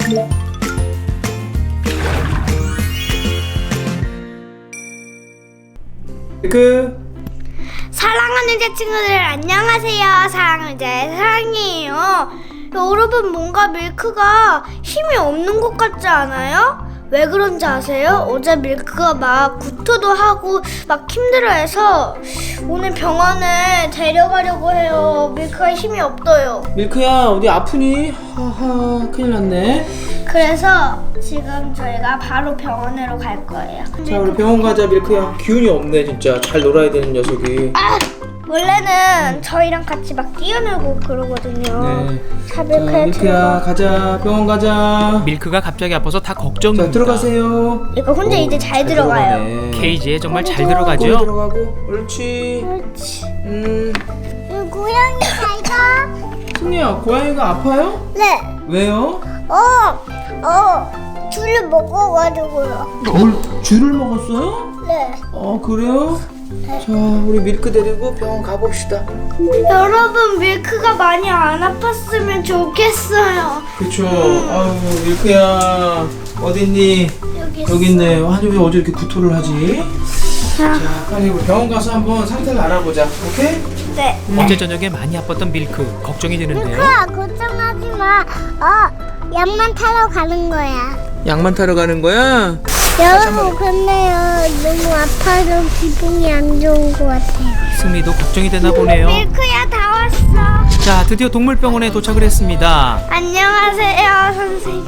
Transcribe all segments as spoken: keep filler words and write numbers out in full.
그 사랑하는 제 친구들 안녕하세요. 사랑하는 제 사랑이에요. 여러분 뭔가 밀크가 힘이 없는 것 같지 않아요? 왜 그런지 아세요? 어제 밀크가 막 구토도 하고 막 힘들어해서 오늘 병원에 데려가려고 해요. 밀크가 힘이 없어요. 밀크야 어디 아프니? 하하 큰일 났네. 그래서 지금 저희가 바로 병원으로 갈 거예요. 자 우리 병원 가자. 밀크야 기운이 없네 진짜. 잘 놀아야 되는 녀석이. 아! 원래는 저희랑 같이 막 뛰어놀고 그러거든요. 네. 자, 자 밀크야, 밀크야 가자. 병원 가자. 밀크가 갑자기 아파서 다 걱정입니다. 자 들어가세요. 이거 혼자 오, 이제 잘 들어가요. 들어가네. 케이지에 정말 잘 거기 들어가죠? 들어가고 옳지. 그렇지. 음 고양이 잘 가. 승리야 고양이가 아파요? 네. 왜요? 어, 어, 줄을 먹어가지고요. 뭘 쥐를 먹었어요? 네. 어 그래요? 자 우리 밀크 데리고 병원 가봅시다. 여러분 밀크가 많이 안 아팠으면 좋겠어요. 그쵸. 아유 밀크야 어딨니? 여기 여기 있네. 아니 왜 어제 이렇게 구토를 하지? 자, 자 빨리 우리 병원 가서 한번 상태를 알아보자. 오케이? 네. 어제 저녁에 많이 아팠던 밀크 걱정이 되는데요. 밀크야 걱정하지 마. 어, 약만 타러 가는 거야. 약만 타러 가는 거야? 여러분 근데요 너무 아파서 기분이 안 좋은 것 같아요. 승리도 걱정이 되나 보네요. 밀크야 다 왔어. 자, 드디어 동물병원에 도착을 했습니다. 안녕하세요 선생님.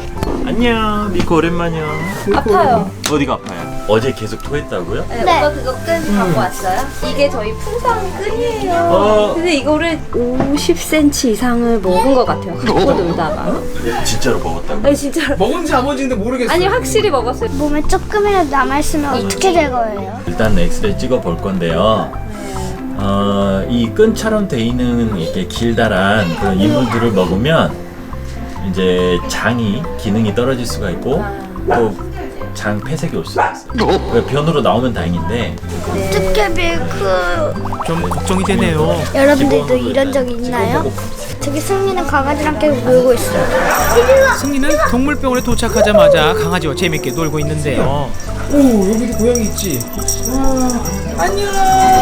안녕, 미코 오랜만이야. 아파요. 어디가 아파요? 어제 계속 토했다고요? 네, 네. 오빠 그거 끈 갖고 왔어요? 이게 저희 풍선 끈이에요. 어. 근데 이거를 오십 센티미터 이상을 먹은 것 같아요. 갖고 놀다가. 진짜로 먹었다고? 아니 진짜로. 먹은지 안 먹은지는 모르겠어. 아니 확실히 먹었어요. 몸에 조금이라도 남아있으면 어떻게 될 거예요? 일단 엑스레이 찍어 볼 건데요. 어, 이 끈처럼 돼 있는 이렇게 길다란 그런 이물들을 먹으면 이제 장이 기능이 떨어질 수가 있고 또 장 폐색이 올 수가 있어요. 그러니까 변으로 나오면 다행인데 어떻게 밀크. 좀 걱정이 되네요. 여러분들도 이런 적 있나요? 저기 승리는 강아지랑 계속 놀고 있어요. 승리는 동물병원에 도착하자마자 강아지와 재밌게 놀고 있는데요. 오 여기도 고양이 있지. 와 안녕.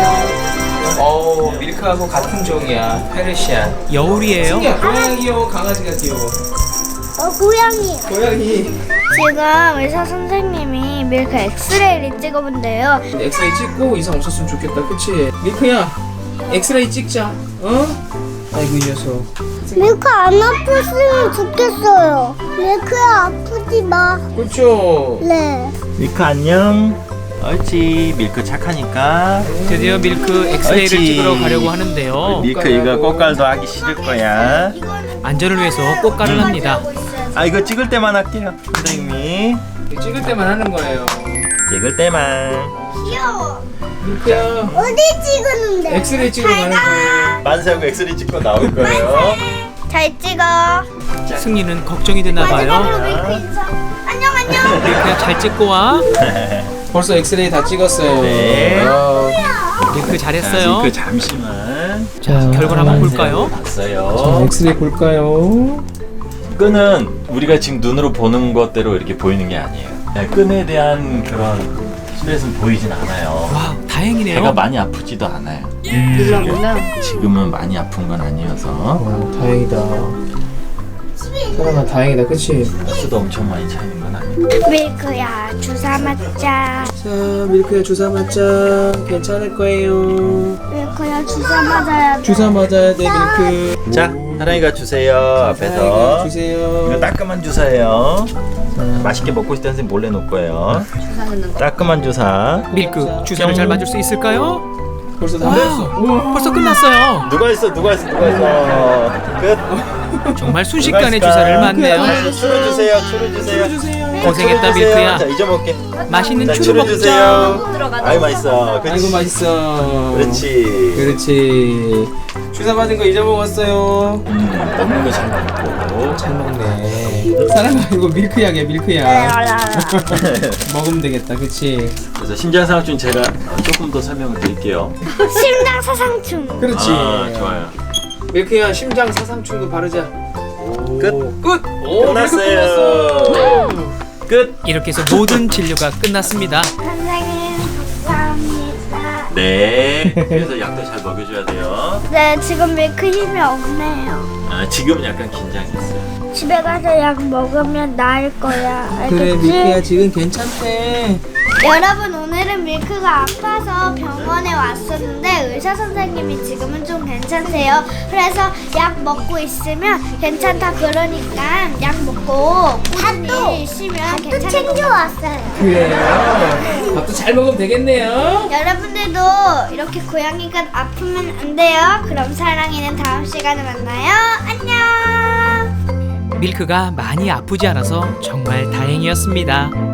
어 밀크하고 같은 종이야. 페르시안. 여울이에요. 승리야 고양이 귀여워 강아지가 귀여워. 어 고양이. 고양이. 지금 의사 선생님이 밀크 엑스레이를 찍어본대요. 엑스레이 찍고 이상 없었으면 좋겠다. 그치? 밀크야 엑스레이 찍자. 어? 아이고 이 녀석. 밀크 안 아팠으면 좋겠어요. 밀크야 아프지 마. 그쵸? 네. 밀크 안녕. 옳지, 밀크 착하니까. 드디어 밀크 엑스레이를 옳지. 찍으러 가려고 하는데요. 밀크 이거 꽃갈도 하기 싫을 거야. 안전을 위해서 꽃가를 합니다. 아 이거 찍을 때만 할게요, 선생님이. 찍을 때만 하는 거예요. 찍을 때만. 귀여워. 밀크야 어디 찍었는데? 엑스레이 찍으러 가는 거예요. 만세하고 엑스레이 찍고 나올 거예요. 잘 찍어. 승리는 걱정이 되나 마지막으로 봐요. 밀크 인사. 안녕 안녕. 밀크야 잘 찍고 와. 벌써 엑스레이 다 찍었어요. 네. 아, 밀크 잘했어요. 밀크 잠시만. 자, 결과를 한번 볼까요? 자, 봤어요. 엑스레이 볼까요? 끈은 우리가 지금 눈으로 보는 것대로 이렇게 보이는 게 아니에요. 네, 끈에 대한 그런 스트레스는 보이진 않아요. 와, 배가 다행이네요. 많이 아프지도 않아요. 몰랐구나. 지금은 많이 아픈 건 아니어서 와, 다행이다. 사랑아, 다행이다, 그치? 수도 엄청 많이 차이는 건 아니고. 밀크야 주사 맞자. 자, 밀크야 주사 맞자. 괜찮을 거예요. 밀크야 주사 맞아야 돼. 주사 맞아야 돼, 밀크. 자, 사랑이가 주세요. 앞에서. 주세요. 이거 따끔한 주사예요. 맛있게 먹고 싶다는 선생님 몰래 놓을 거예요. 주사 넣는 거. 따끔한 주사. 밀크 주사를 잘 맞을 수 있을까요? 벌써 다 와, 됐어. 우와. 벌써 끝났어요. 누가 있어? 누가 있어? 누가 있어? 끝. 정말 순식간에 주사를 맞네요. 추루 주세요. 추루 주세요. 주세요. 고생했다, 추루 주세요. 밀크야. 자, 잊어먹게. 맛있는 자, 추루 추루 먹자. 주세요. 들어가자. 아이 맛있어. 그치? 아이고, 맛있어. 그렇지. 그렇지. 주사 맞은 거 잊어먹었어요. 음, 먹는 거 잘 먹고. 잘 먹네. 사랑아, 이거 밀크약이야, 밀크약. 먹으면 되겠다, 그치? 그래서 심장상충 제가 조금 더 설명을 드릴게요. 심장 사상충. 그렇지. 아, 좋아요. 밀크야, 심장 사상충도 바르자. 끝. 끝. 오, 끝났어요. 끝. 이렇게 해서 모든 진료가 끝났습니다. 선생님 감사합니다. 네. 그래서 약도 잘 먹여줘야 돼요. 네, 지금 밀크 힘이 없네요. 아, 지금은 약간 긴장했어요. 집에 가서 약 먹으면 나을 거야. 알겠지? 그래 밀크야 지금 괜찮대. 여러분, 오늘은 밀크가 아파서 병원에 왔었는데 의사 선생님이 지금은 좀 괜찮대요. 그래서 약 먹고 있으면 괜찮다 그러니까 약 먹고 꾸준히 쉬면 괜찮을 챙겨왔어요. 그래요. 밥도 잘 먹으면 되겠네요. 여러분들도 이렇게 고양이가 아프면 안 돼요. 그럼 사랑이는 다음 시간에 만나요. 안녕. 밀크가 많이 아프지 않아서 정말 다행이었습니다.